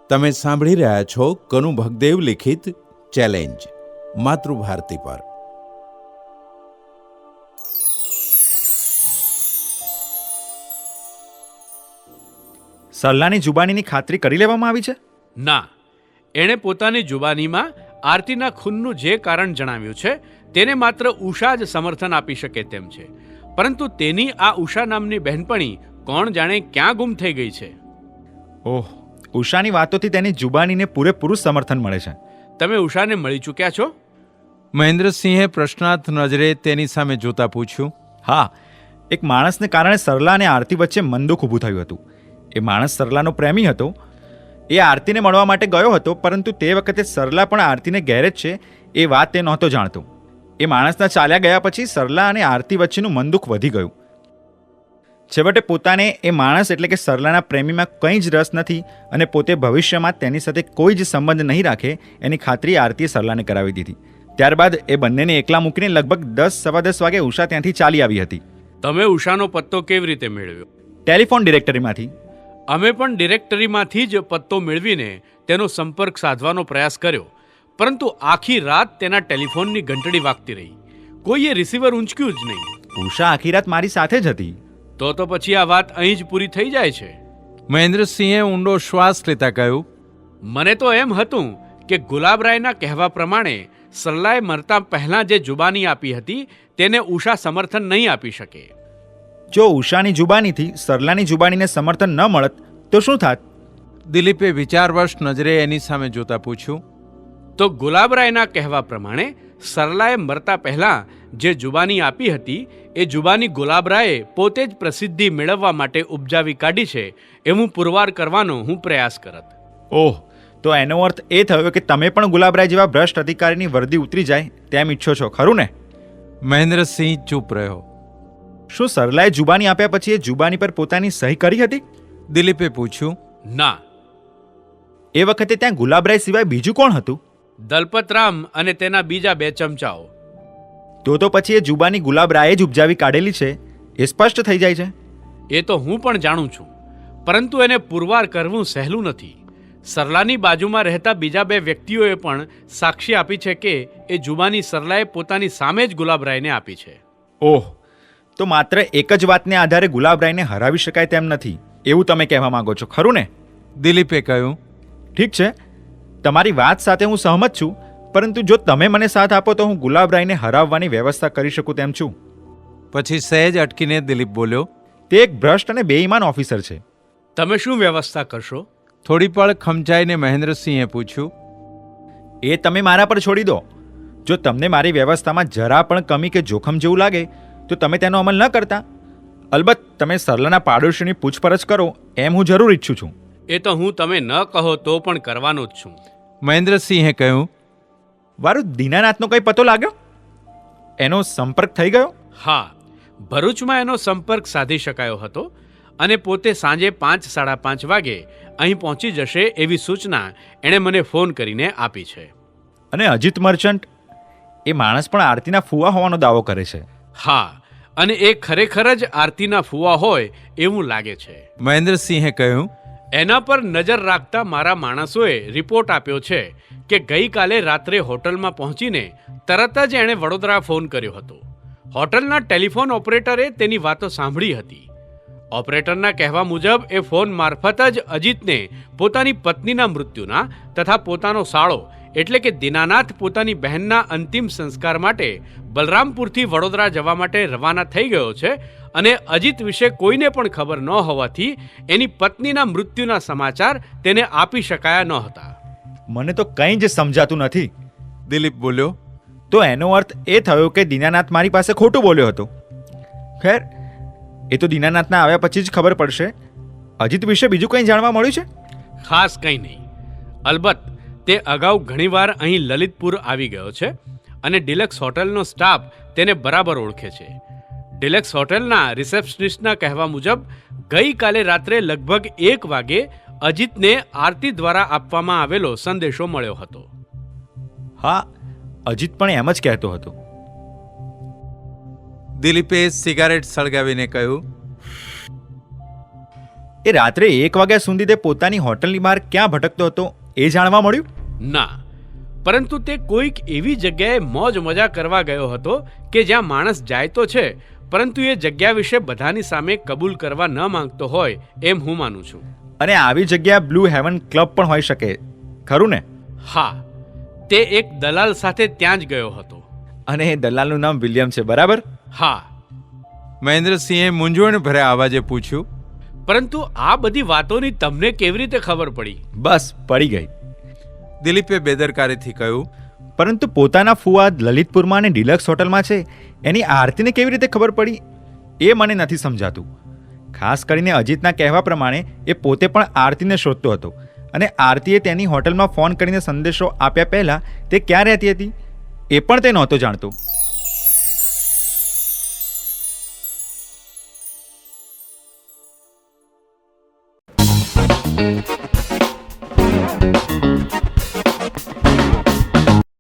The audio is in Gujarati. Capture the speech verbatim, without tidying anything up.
તમે સાંભળી રહ્યા છો કનુ ભગદેવ લિખિત ચેલેન્જ માતૃભારતી પર. સરલાની જુબાનીની ખાતરી કરી લેવામાં આવી છે? ના, એણે પોતાની જુબાનીમાં આરતીના ખૂનનું જે કારણ જણાવ્યું છે તેને માત્ર ઉષા જ સમર્થન આપી શકે તેમ છે. પરંતુ તેની આ ઉષા નામની બહેનપણી કોણ જાણે ક્યાં ગુમ થઈ ગઈ છે. ઓહ, ઉષાની વાતોથી તેની જુબાનીને પૂરેપૂરું સમર્થન મળે છે. તમે ઉષાને મળી ચૂક્યા છો? મહેન્દ્રસિંહે પ્રશ્નાર્થ નજરે તેની સામે જોતા પૂછ્યું. હા, એક માણસને કારણે સરલા અને આરતી વચ્ચે મનદુખ ઊભું થયું હતું. એ માણસ સરલાનો પ્રેમી હતો. એ આરતીને મળવા માટે ગયો હતો, પરંતુ તે વખતે સરલા પણ આરતીને ઘેર જ છે એ વાત તે નહોતો જાણતો. એ માણસના ચાલ્યા ગયા પછી સરલા અને આરતી વચ્ચેનું મનદુખ વધી ગયું. છેવટે પોતાને એ માણસ એટલે કે સરલાના પ્રેમીમાં કંઈ જ રસ નથી અને પોતે ભવિષ્યમાં તેની સાથે કોઈ જ સંબંધ નહીં રાખે એની ખાતરી આરતીએ સરલાને કરાવી દીધી. ત્યારબાદ એ બંનેને એકલા મૂકીને લગભગ દસ સવા દસ વાગે ઉષા ત્યાંથી ચાલી આવી હતી. તમે ઉષાનો પત્તો કેવી રીતે મેળવ્યો? ટેલિફોન ડિરેક્ટરીમાંથી. અમે પણ ડિરેક્ટરીમાંથી જ પત્તો મેળવીને તેનો સંપર્ક સાધવાનો પ્રયાસ કર્યો, પરંતુ આખી રાત તેના ટેલિફોનની ઘંટડી વાગતી રહી. કોઈએ રિસીવર ઊંચક્યું જ નહીં. ઉષા આખી રાત મારી સાથે જ હતી. તો તો પછી આ વાત અહીં જ પૂરી થઈ જાય છે. મહેન્દ્રસિંહે ઊંડો શ્વાસ લેતા કહ્યું. મને તો એમ હતું કે ગુલાબરાયના કહેવા પ્રમાણે સરલાએ મરતા પહેલાં જે જુબાની આપી હતી તેને ઉષા સમર્થન નહીં આપી શકે. જો ઉષાની જુબાનીથી સરલાની જુબાનીને સમર્થન ન મળત તો શું થાત? દિલીપે વિચારવશ નજરે એની સામે જોતા પૂછ્યું. તો ગુલાબરાયના કહેવા પ્રમાણે સરલાએ મરતા પહેલાં જે જુબાની આપી હતી એ જુબાની ગુલાબરાયે પોતે જ પ્રસિદ્ધિ મેળવવા માટે ઉપજાવી કાઢી છે એવું પુરવાર કરવાનો હું પ્રયાસ કરત. ઓહ, તો એનો અર્થ એ થયો કે તમે પણ ગુલાબરાય જેવા ભ્રષ્ટ અધિકારીની વર્દી ઉતરી જાય તેમ ઈચ્છો છો, ખરું ને? મહેન્દ્રસિંહ ચૂપ રહ્યો. શું સરલાએ જુબાની આપ્યા પછી એ જુબાની પર પોતાની સહી કરી હતી? દિલીપે પૂછ્યું. ના. એ વખતે ત્યાં ગુલાબરાય સિવાય બીજું કોણ હતું? દલપતરામ અને તેના બીજા બે ચમચાઓ. તો તો પછી એ જુબાની ગુલાબરાયે જ ઉપજાવી કાઢેલી છે એ સ્પષ્ટ થઈ જાય છે. એ તો હું પણ જાણું છું, પરંતુ એને પુરવાર કરવું સહેલું નથી. સરલાની બાજુમાં રહેતા બીજા બે વ્યક્તિઓએ પણ સાક્ષી આપી છે કે એ જુબાની સરલાએ પોતાની સામે જ ગુલાબરાયને આપી છે. ઓહ, તો માત્ર એક જ વાતને આધારે ગુલાબરાયને હરાવી શકાય તેમ નથી એવું તમે કહેવા માંગો છો, ખરું ને? દિલીપે કહ્યું. ઠીક છે, તમારી વાત સાથે હું સહમત છું, પરંતુ જો તમે મને સાથ આપો તો હું ગુલાબરાયને હરાવવાની વ્યવસ્થા કરી શકું તેમ છું. પછી સહેજ અટકીને દિલીપ બોલ્યો. તે એક ભ્રષ્ટ અને બેઈમાન ઓફિસર છે. તમે શું વ્યવસ્થા કરશો? થોડી પળ ખમચાઈને મહેન્દ્રસિંહે પૂછ્યું. એ તમે મારા પર છોડી દો. જો તમને મારી વ્યવસ્થામાં જરા પણ કમી કે જોખમ જેવું લાગે તો તમે તેનો અમલ ન કરતા. અલબત્ત તમે સરલાના પાડોશીની પૂછપરછ કરો એમ હું જરૂર ઈચ્છું છું. એ તો હું તમે ન કહો તો પણ કરવાનો જ છું. મહેન્દ્રસિંહે કહ્યું. વારું દીનાનાથનો કંઈ પતો લાગ્યો? એનો સંપર્ક થઈ ગયો? હા, ભરૂચમાં એનો સંપર્ક સાધી શકાયો હતો અને પોતે સાંજે પાંચ સાડા પાંચ વાગે અહીં પહોંચી જશે એવી સૂચના એણે મને ફોન કરીને આપી છે. અને અજીત મર્ચન્ટ, એ માણસ પણ આરતીના ફુવા હોવાનો દાવો કરે છે. હા, અને એ ખરેખર જ આરતીના ફુવા હોય એવું લાગે છે. મહેન્દ્રસિંહે કહ્યું. એના પર નજર રાખતા મારા માણસોએ રિપોર્ટ આપ્યો છે કે ગઈકાલે રાત્રે હોટલમાં પહોંચીને તરત જ એણે વડોદરા ફોન કર્યો હતો. હોટલના ટેલિફોન ઓપરેટરે તેની વાતો સાંભળી હતી. ઓપરેટરના કહેવા મુજબ એ ફોન મારફત જ અજીતને પોતાની પત્નીના મૃત્યુના તથા પોતાનો સાળો એટલે કે દીનાનાથ પોતાની બહેનના અંતિમ સંસ્કાર માટે બલરામપુરથી વડોદરા જવા માટે રવાના થઈ ગયો છે અને અજીત વિશે કોઈને પણ ખબર ન હોવાથી એની પત્નીના મૃત્યુના સમાચાર તેને આપી શકાયા ન હતા. મને તો કંઈ જ સમજાતું નથી. દિલીપ બોલ્યો. તો એનો અર્થ એ થયો કે દીનાનાથ મારી પાસે ખોટું બોલ્યો હતો. ખેર, એ તો દીનાનાથના આવ્યા પછી જ ખબર પડશે. અજીત વિશે બીજું કંઈ જાણવા મળ્યું છે? ખાસ કંઈ નહીં. અલબત્ત તે અગાઉ ઘણીવાર અહીં લલિતપુર આવી ગયો છે અને ડિલક્સ હોટલનો સ્ટાફ તેને બરાબર ઓળખે છે. ડિલક્સ હોટલના રિસેપ્શનિસ્ટના કહેવા મુજબ ગઈકાલે રાત્રે લગભગ એક વાગે અજીતને આરતી દ્વારા આપવામાં આવેલો સંદેશો મળ્યો હતો. હા, અજીત પણ એમ જ કહેતો હતો. દિલીપે સિગારેટ સળગાવીને કહ્યું. એ રાત્રે એક વાગ્યા સુધી તે પોતાની હોટલની બહાર ક્યાં ભટકતો હતો એ જાણવા મળ્યું? ના, પરંતુ તે કોઈક એવી જગ્યાએ મોજ મજા કરવા ગયો હતો કે જ્યાં માણસ જાય તો છે, પરંતુ એ જગ્યા વિશે બધાની સામે કબૂલ કરવા ન માંગતો હોય એમ હું માનું છું. અને આવી જગ્યા બ્લુ હેવન ક્લબ પણ હોઈ શકે, ખરું ને? હા, તે એક દલાલ સાથે ત્યાં જ ગયો હતો. અને એ દલાલનું નામ વિલિયમ છે, બરાબર? હા. મહેન્દ્રસિંહે મૂંઝવણ ભર્યા અવાજે પૂછ્યું. પરંતુ આ બધી વાતોની તમને કેવી રીતે ખબર પડી? બસ પડી ગઈ. દિલીપે બેદરકારીથી કહ્યું. પરંતુ પોતાના ફુવા લલિતપુરમાં અને ડિલક્સ હોટલમાં છે એની આરતીને કેવી રીતે ખબર પડી એ મને નથી સમજાતું. ખાસ કરીને અજીતના કહેવા પ્રમાણે એ પોતે પણ આરતીને શોધતો હતો અને આરતીએ તેની હોટલમાં ફોન કરીને સંદેશો આપ્યા પહેલાં તે ક્યાં રહેતી હતી એ પણ તે નહોતો જાણતો.